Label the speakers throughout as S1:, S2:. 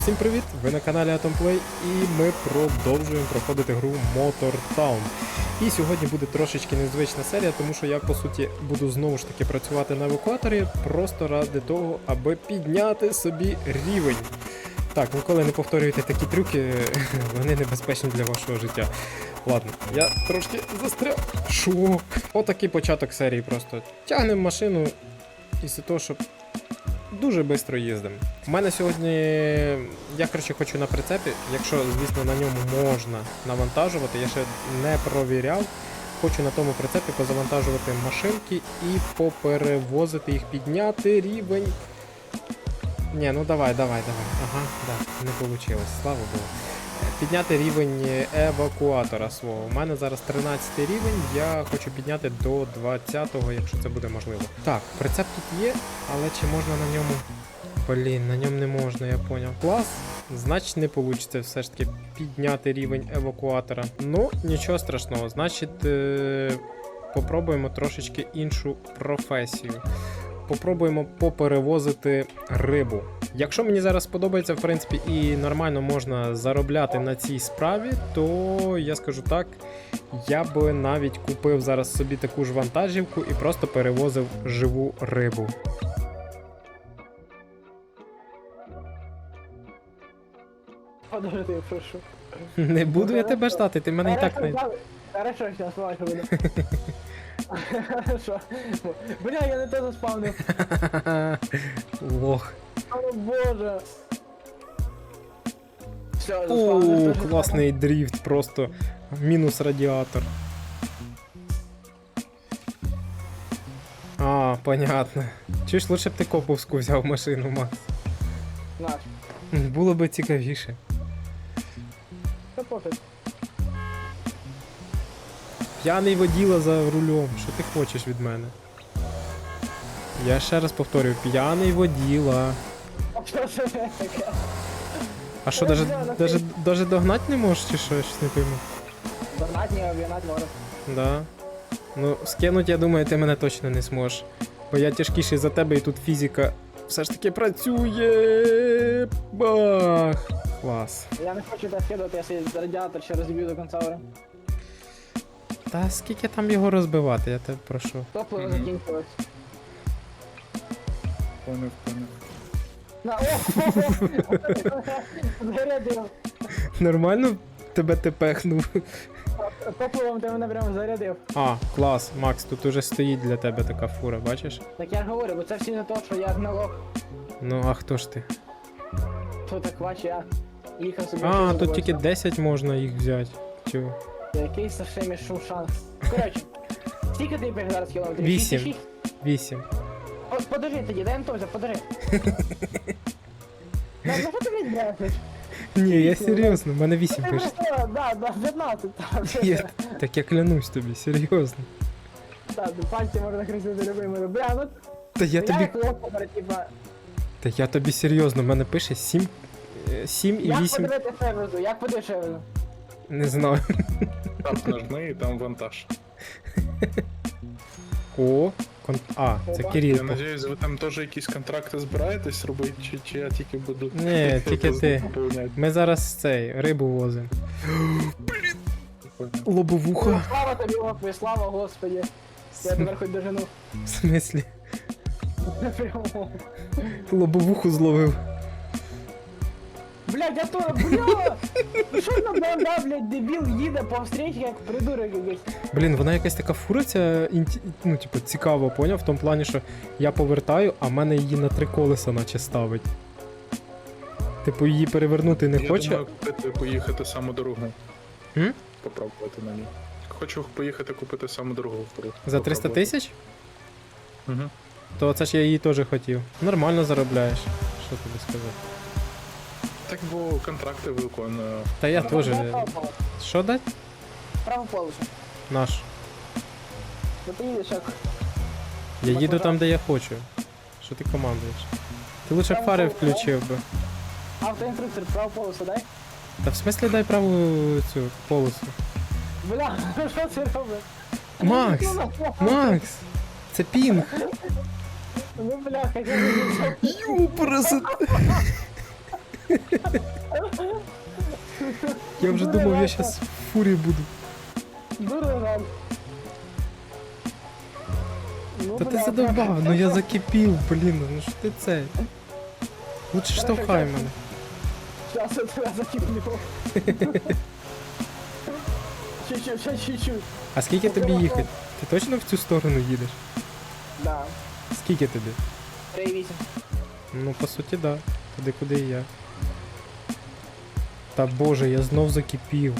S1: Всім привіт! Ви на каналі AtomPlay і ми продовжуємо проходити гру Motor Town. І сьогодні буде трошечки незвична серія, тому що я по суті буду знову ж таки працювати на евакуаторі просто ради того, аби підняти собі рівень. Так, ніколи не повторюйте такі трюки, вони небезпечні для вашого життя. Ладно, я трошки застряг. Шо? Отакий початок серії просто. Тягнемо машину із-за того, щоб дуже швидко їздимо. У мене сьогодні, я коротше хочу на прицепі, якщо, звісно, на ньому можна навантажувати, я ще не провіряв. Хочу на тому прицепі позавантажувати машинки і поперевозити їх, підняти рівень. Ні, ну давай.Ага, да, не вийшло, слава Богу. Підняти рівень евакуатора свого. У мене зараз 13 рівень, я хочу підняти до 20-го, якщо це буде можливо. Так, прицеп тут є, але чи можна на ньому... Блін, на ньому не можна, я поняв. Клас, значить не вийде все ж таки підняти рівень евакуатора. Ну, нічого страшного, значить попробуємо трошечки іншу професію. Попробуємо поперевозити рибу. Якщо мені зараз сподобається, в принципі, і нормально можна заробляти на цій справі, то я скажу так, я би навіть купив зараз собі таку ж вантажівку і просто перевозив живу рибу.
S2: Подожди, прошу.
S1: Не буду я тебе ждати, ти мене і так не...
S2: Хорошо, сейчас лайк буду. Хорошо. Бля, я не те заспавнив.
S1: Лох.
S2: О боже. Все,
S1: О,
S2: заспавнив.
S1: класний дріфт, просто мінус радіатор. А, понятно. Чуєш, лучше б ти коповську взяв машину, Макс.
S2: Наш.
S1: Було би цікавіше.
S2: Та пофіг.
S1: П'яний воділа за рулем. Що ти хочеш від мене? Я ще раз повторюю, п'яний воділа.
S2: А що це таке?
S1: А що, даже догнать не можеш чи що? Я щось не пойму.
S2: Догнать не обігнать можу.
S1: Да. Ну, скинуть, я думаю, ти мене точно не зможеш. Бо я тяжкіший за тебе і тут фізика все ж таки працює. Бах! Клас.
S2: Я не хочу тебе скидати, я свій радіатор ще розіб'ю до кінця гри.
S1: Та скільки там його розбивати, я тебе прошу.
S2: Топливо закінчилось.
S3: Понял.
S2: На, зарядив.
S1: Нормально тебе тепехнув?
S2: Топливом ти мене прямо зарядив.
S1: А, клас, Макс, тут уже стоїть для тебе така фура, бачиш?
S2: Так я говорю, бо це всі не то, що я гналог.
S1: Ну, а хто ж ти?
S2: То так бач, я їхав собі.
S1: А,
S2: щось
S1: тут тільки
S2: забувся.
S1: 10 можна їх взяти. Чого?
S2: Який Сашемі шанс. Коротше, скільки ти біг зараз кілометрів?
S1: 8.
S2: 6,6?
S1: 8.
S2: О, подожди тоді, дай Антося, подожди. Ну що ти мені брешеш?
S1: Ні, я серйозно, в мене 8
S2: Ти
S1: пише.
S2: просто, да, 15.
S1: Так я клянусь тобі, серйозно.
S2: Так, пальці можна хрестити любими. Бля, ну
S1: Та я
S2: я
S1: тобі.
S2: як лопа, типа.
S1: Та я тобі серйозно, в мене пише 7 і
S2: Як
S1: 8.
S2: подивити шевезу? Як подивити шевезу?
S1: Не знаю.
S3: Там нажми і там вантаж.
S1: О, це Кирил.
S3: Я надіюсь, ви там теж якісь контракти збираєтесь робити, чи я тільки буду...
S1: Ні, тільки ти.
S3: Поповняти?
S1: Ми зараз рибу возимо. Лобовуха.
S2: Слава тобі, Господи, слава Господи. Я тепер хоч дожену.
S1: В смислі?
S2: Прямо.
S1: Лобовуху зловив.
S2: Блядь, я то, бля! Ну що на банда, блядь, дебіл їде по встречі, як придурок якийсь.
S1: Блін, вона якась така фуриця, ну, типу, цікаво, поняв? В тому плані, що я повертаю, а в мене її на 3 колеса наче ставить. Типу, її перевернути не хоче.
S3: Я думаю, купити, поїхати саму дорогу.
S1: М?
S3: Попробувати на ній. Хочу поїхати купити саму дорогу втору.
S1: За 300 тисяч?
S3: Угу.
S1: То це ж я її теж хотів. Нормально заробляєш. Що тобі сказати?
S3: Так, бо контракти виконую.
S1: Та я теж.
S2: Право полосу.
S1: Що дать?
S2: Право полосу.
S1: Наш.
S2: Ну ти їдеш як.
S1: Я їду там, де я хочу. Що ти командуєш? Ти лучше б фари включив би.
S2: Автоінструктор, право полосу дай.
S1: Та в смислі дай праву цю полосу.
S2: Бля, що це робиш?
S1: Макс! Макс! Це пінг!
S2: Ну бля, хотя б.
S1: Юпресет! Я вже думав, я щас в фурі буду.
S2: Дуже жаль. Ну,
S1: Та ти
S2: бля,
S1: задовбав, ну я закипів, блін, ну що ти це? Лучше штовхай мене.
S2: Щас я тебе закиплю. Чуть-чуть, ще чуть-чуть.
S1: А скільки тобі їхати? Ти точно в цю сторону їдеш?
S2: Да.
S1: Скільки тобі?
S2: 3,8.
S1: Ну, по суті, да. Туди, куди і я. Та боже, я знов закипів.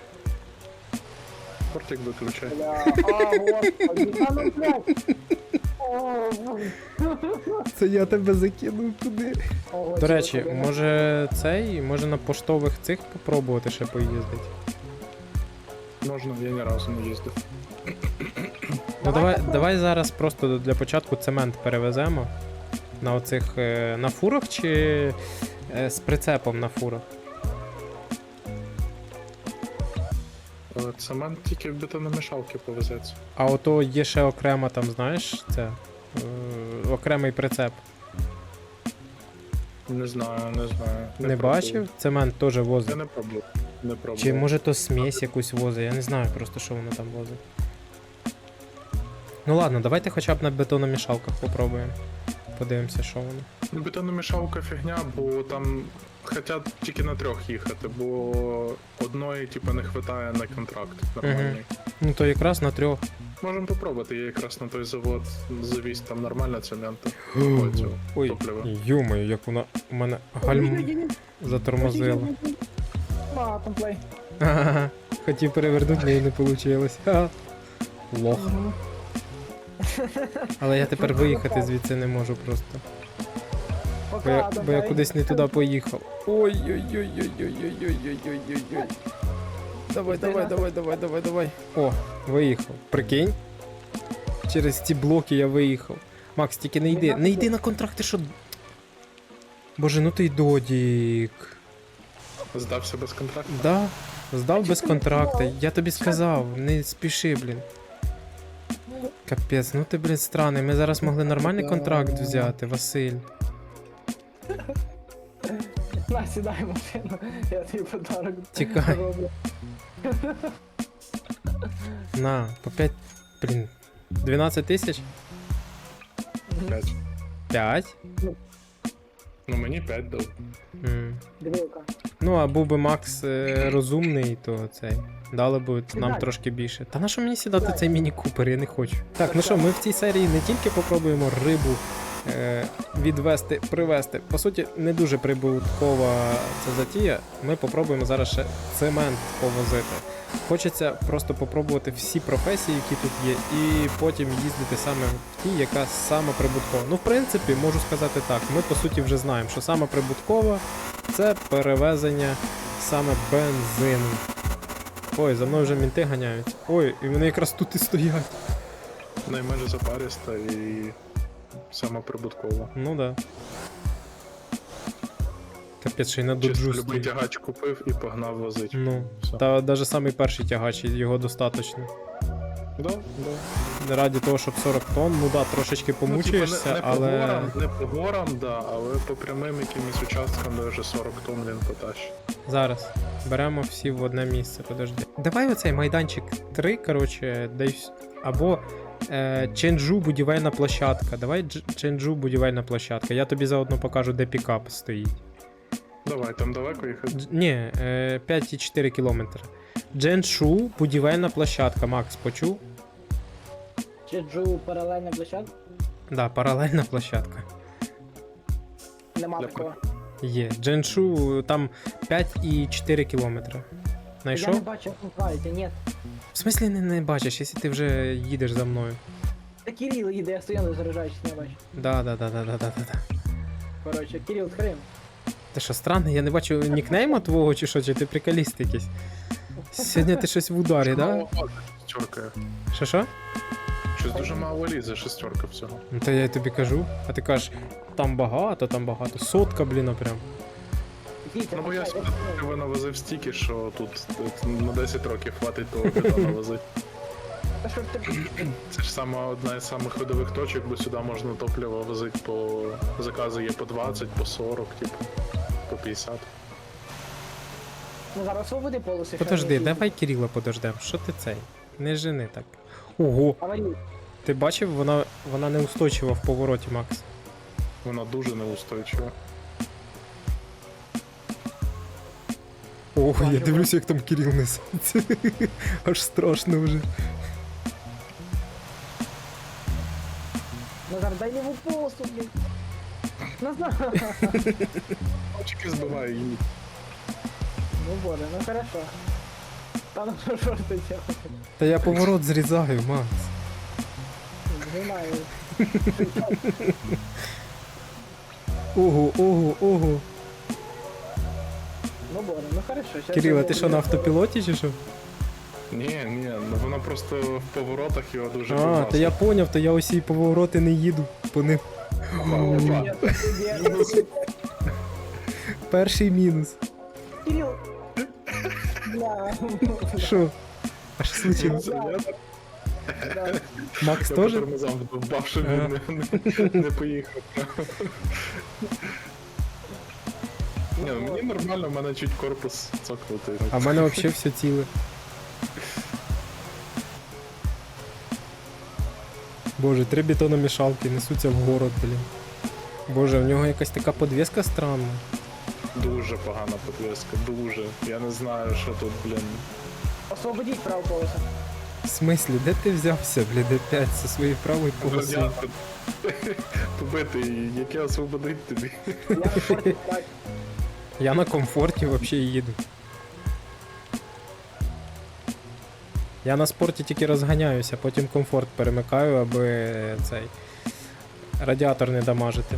S3: Портик виключай.
S2: Бля, господи, та ну блядь. О,
S1: Це я тебе закинув туди.
S2: Ого,
S1: До речі,
S2: чого,
S1: може на поштових цих попробувати ще поїздити.
S3: Можна, я ні разу не їздив.
S1: Ну давай зараз просто для початку цемент перевеземо. На оцих на фурах чи з прицепом на фурах?
S3: Цемент тільки в бетономішалки повезеться.
S1: А ото є ще окремо там, знаєш, це окремий прицеп.
S3: Не знаю.
S1: Не
S3: пробував.
S1: бачив? Цемент теж
S3: Я
S1: возить.
S3: не пробував. Не пробував.
S1: Чи може то смесь якусь возить, я не знаю просто, що воно там возить. Ну ладно, давайте хоча б на бетономішалках попробуємо. Подивимося, що воно.
S3: Ну, бетономішалка фігня, бо там хотять тільки на 3 їхати, бо одної типу не вистачає на контракт нормальний.
S1: Ну то якраз на 3.
S3: Можемо попробувати, я якраз на той завод завіз там нормально цементу.
S1: Ой,
S3: Топливо.
S1: юмою, як вона у мене гальм затормозила.
S2: А, комплей.
S1: Ага, хотів перевернути, але не вийшло. Ха. Лох. Але я тепер виїхати звідси не можу просто.
S2: Пока,
S1: Бо я кудись не туди поїхав. Ой-ой-ой-ой-ой-ой-ой-ой-ой-ой. Давай. О, виїхав. Прикинь? Через ці блоки я виїхав. Макс, тільки не йди. Не йди на контракт, ти що? Боже, ну ти й додік.
S3: Здався без контракту?
S1: Да, здав без контракта. Я тобі сказав, не спіши, блін. Капець, ну ти, блін, странний. Ми зараз могли нормальний контракт взяти, Василь.
S2: На, сідай в машину, я тобі подарок
S1: Тікай.
S2: зроблю.
S1: На, по 5, блін, 12 тисяч?
S3: 5.
S1: 5?
S3: Ну мені 5 дав.
S2: Дивилка.
S1: Ну, а був би Макс розумний, то цей. Дали б нам
S2: Сідай.
S1: трошки більше. Та на що мені сідати цей міні-купер, я не хочу. Так, ну що, ми в цій серії не тільки попробуємо рибу відвести, привезти. По суті, не дуже прибуткова ця затія. Ми попробуємо зараз ще цемент повозити. Хочеться просто попробувати всі професії, які тут є, і потім їздити саме в тій, яка саме прибуткова. Ну, в принципі, можу сказати так, ми по суті вже знаємо, що саме прибуткова це перевезення саме бензину. Ой, за мною вже мінти ганяють. Ой, і вони якраз тут і стоять.
S3: Найменше запариста і сама прибуткова.
S1: Ну да. Капець, ще й на
S3: Чисто
S1: доджу
S3: любий
S1: стоїть.
S3: тягач купив і погнав возить.
S1: Ну,
S3: Все.
S1: та навіть самий перший тягач, його достатньо.
S3: Да.
S1: Раді того, щоб 40 тонн, ну да, трошечки помучаєшся,
S3: Ну, типу,
S1: але...
S3: Не по горам, да, але по прямим якимось участкам даже 40 тонн він потащить.
S1: Зараз. Беремо всі в одне місце, подожди. Давай оцей майданчик 3, коротше, десь. Або Ченджу будівельна площадка. Давай Ченджу будівельна площадка. Я тобі заодно покажу, де пікап стоїть.
S3: Давай, там далеко їхати.
S1: Ні, 5,4 кілометри. Дженшу будівельна площадка. Макс, почув?
S2: Чеджу паралельна площадка?
S1: Да, паралельна площадка.
S2: Нема
S3: Для
S2: такого.
S1: Є. Дженшу там 5,4 кілометри.
S2: Я
S1: Знайшов?
S2: не бачу функціональності, ні.
S1: В смислі не бачиш, якщо ти вже їдеш за мною.
S2: Та Кирил їде, я стою, не заряджаюсь, не бачу.
S1: Да.
S2: Коротше, Кирил з Крим.
S1: Ти що, странний? Я не бачу нікнейма твого чи що, чи ти приколіст якийсь? Сьогодні ти щось в ударі, да?
S3: Мало лізе, шестерка.
S1: Що?
S3: Щось дуже мало лізе, шестерка всього.
S1: Ну то я тобі кажу. А ти кажеш, там багато. Сотка, блін, прям.
S2: Дійте,
S3: Ну бо я
S2: почекай,
S3: сюди навозив стільки, що тут на 10 років хватить того бетону возити.
S2: Та що ж ти...
S3: Це ж сама одна із самих ходових точок, бо сюди можна топливо возити по заказу є по 20, по 40, типу. По 150.
S2: Ну зараз свободи полоси.
S1: Подожди, давай Кирила подождем. Що ти цей? Не жени так. Ого,
S2: Аварій.
S1: ти бачив, вона неустойчива в повороті, Макс.
S3: Вона дуже неустойчива.
S1: Ого, я
S2: Бачу,
S1: дивлюся, як там Кирил несеться. Аж страшно вже.
S2: Назар, дай йому полосу, блін. Назар.
S3: Очки збиваю її.
S2: Ну боже, ну хорошо. Та ну що ж ти делаєш?
S1: Та я поворот зрізаю, Макс.
S2: Не знаю.
S1: Ого, ого, ого.
S2: Ну боже, ну хорошо. щас
S1: Кирил, а
S2: я
S1: ти що на
S2: буду-
S1: автопілоті чи що?
S3: Ні, ну вона просто в поворотах його дуже
S1: А, то я поняв, то я усі повороти не їду по ним.
S2: Ні, ні.
S1: Перший мінус.
S2: Кирил. Бля.
S1: Що? А що случилось?
S2: Да.
S1: Макс
S3: Я
S1: теж?
S3: по тормозам вдовбав, щоб
S1: Ага.
S3: він не поїхав. Ні, ну мені нормально, в мене чуть корпус цокнутий.
S1: А в мене взагалі все ціле. Боже, 3 бетономішалки несуться в город, блін. Боже, в нього якась така подвеска странна.
S3: Дуже погана підвіска, дуже. Я не знаю, що тут, блін.
S2: Освободіть праву полосу.
S1: В смислі, де ти взявся, блін, опять зі своєю правою полосою?
S3: Радіатор побитий, яке освободить тобі.
S2: Я не хочу так.
S1: Я на комфорті взагалі їду. Я на спорті тільки розганяюся, потім комфорт перемикаю, аби цей радіатор не дамажити.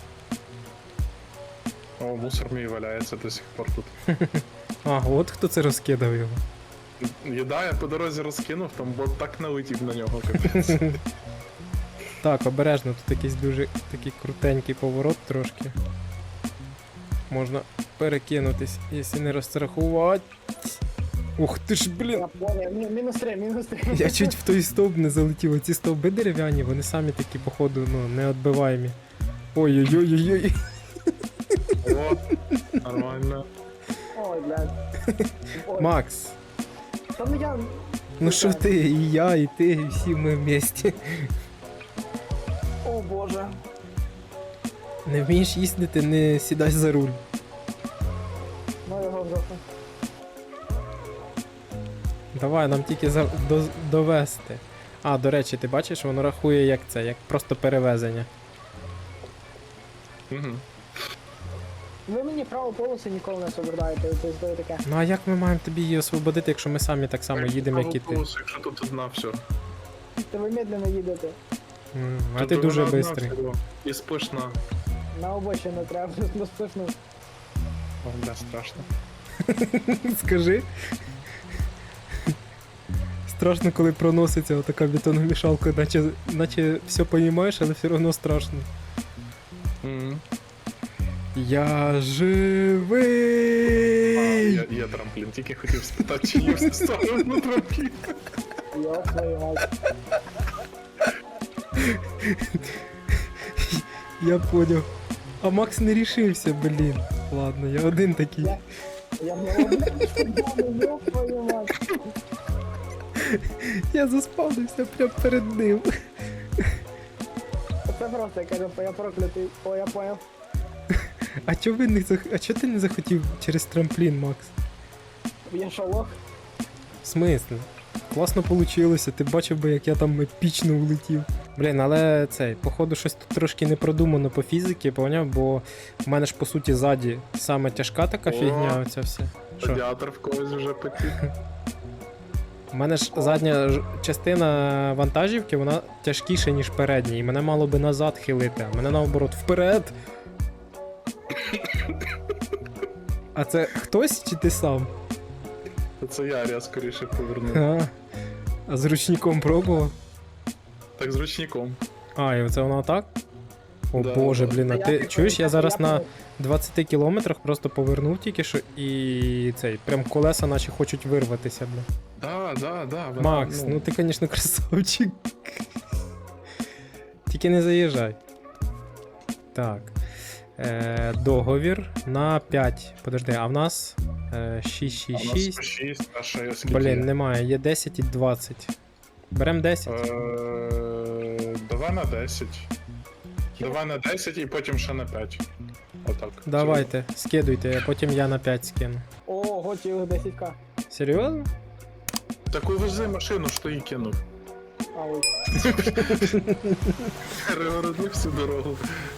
S3: О, мусор мій валяється до сих пор тут.
S1: А, от хто це розкидав його.
S3: Їда я по дорозі розкинув, там бот так налетів на нього, капець.
S1: Так, обережно, тут якийсь дуже такий крутенький поворот трошки. Можна перекинутись, якщо не розрахувати. Ух ти ж, блін!
S2: Я понял. Мінус 3, мінус 3.
S1: Я чуть в той стовп не залетів. Оці стовби дерев'яні, вони самі такі, походу, ну, неотбиваємі. Ой-ой-ой-ой-ой.
S3: О, нормально.
S2: Ой, блядь. Ой.
S1: Макс,
S2: Та ну я...
S1: ну що ти, і я, і ти, і всі ми вместе.
S2: О боже.
S1: Не вмієш їздити, не сідай за руль.
S2: Ну його в жопу.
S1: Давай, нам тільки довести. А, до речі, ти бачиш, воно рахує як це, як просто перевезення.
S3: Угу.
S2: Ви мені праву полосу ніколи не освобождаєте, тобто таке.
S1: Ну а як ми маємо тобі її освободити, якщо ми самі так само їдемо, як і ти?
S3: Якщо тут одна, все.
S2: Та ви медленно їдете.
S1: А ти дуже швидкий.
S3: І спишна.
S2: На обочину треба, ну спишно.
S3: О, бля, страшно.
S1: Скажи. Страшно, коли проноситься отака бетономішалка, наче все розумієш, але все одно страшно.
S3: Мгм.
S1: Я живий!
S3: Є трамплін, тільки хотів спитати, чи є все ставив на трамплін.
S2: Йо, твою мать.
S1: Я поняв. А Макс не рішився, блін. Ладно, я один такий.
S2: Я в нього, блядь, йо, твою мать.
S1: Я заспавнився прямо перед ним.
S2: Це просто, я кажу, я проклятий. О, я понял.
S1: А чого ти не захотів через трамплін, Макс?
S2: Я що, лох?
S1: В смислі? Класно получилося, ти бачив би, як я там епічно улетів. Блін, але цей, походу, щось тут трошки не продумано по фізиці, поняв, бо в мене ж по суті ззаді саме тяжка така
S3: О.
S1: фігня, оця все. Що?
S3: Радіатор в когось вже потік.
S1: У мене ж задня частина вантажівки, вона тяжкіша, ніж передня, і мене мало би назад хилити, а мене наоборот вперед. А це хтось чи ти сам?
S3: Це я скоріше повернув.
S1: А з ручником пробував?
S3: Так з ручником.
S1: А, і оце воно так? О
S3: Да,
S1: боже,
S3: да.
S1: блін, а
S2: Та
S1: ти
S2: я-
S1: чуєш, я зараз на
S2: понял.
S1: 20 кілометрах просто повернув тільки що і цей, прям колеса наче хочуть вирватися, бля.
S3: Да. вона,
S1: Макс, ну ти, звісно, красавчик. Тільки не заїжджай. Так. договір на 5. Подожди, а в нас
S3: А у нас
S1: 666.
S3: 6, а ще є скільки?
S1: Блін, немає, є 10 і 20. Берем 10.
S3: Давай на 10. Давай на 10 і потім ще на 5. Отак.
S1: Давайте, скидуйте, а потім я на 5 скину.
S2: Ого, цілих 10к.
S1: Серйозно?
S3: Так увези машину, що її кинув.
S2: А ой.
S3: Перегородив всю дорогу.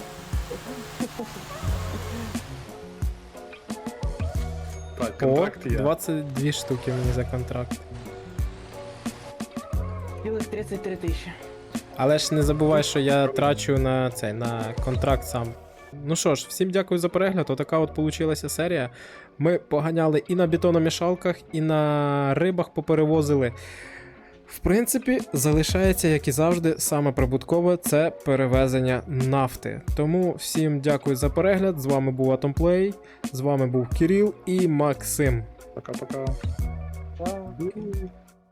S3: Так,
S1: О,
S3: контракт є.
S1: 22 штуки мені за контракт.
S2: Цілих 33 тисячі.
S1: Але ж не забувай, що я трачу на цей на контракт сам. Ну що ж, всім дякую за перегляд. Отака от получилася серія. Ми поганяли і на бетономішалках, і на рибах поперевозили. В принципі, залишається, як і завжди, саме прибуткове це перевезення нафти. Тому всім дякую за перегляд. З вами був Atomplay, з вами був Кирил і Максим.
S3: Пока-пока.
S2: Та.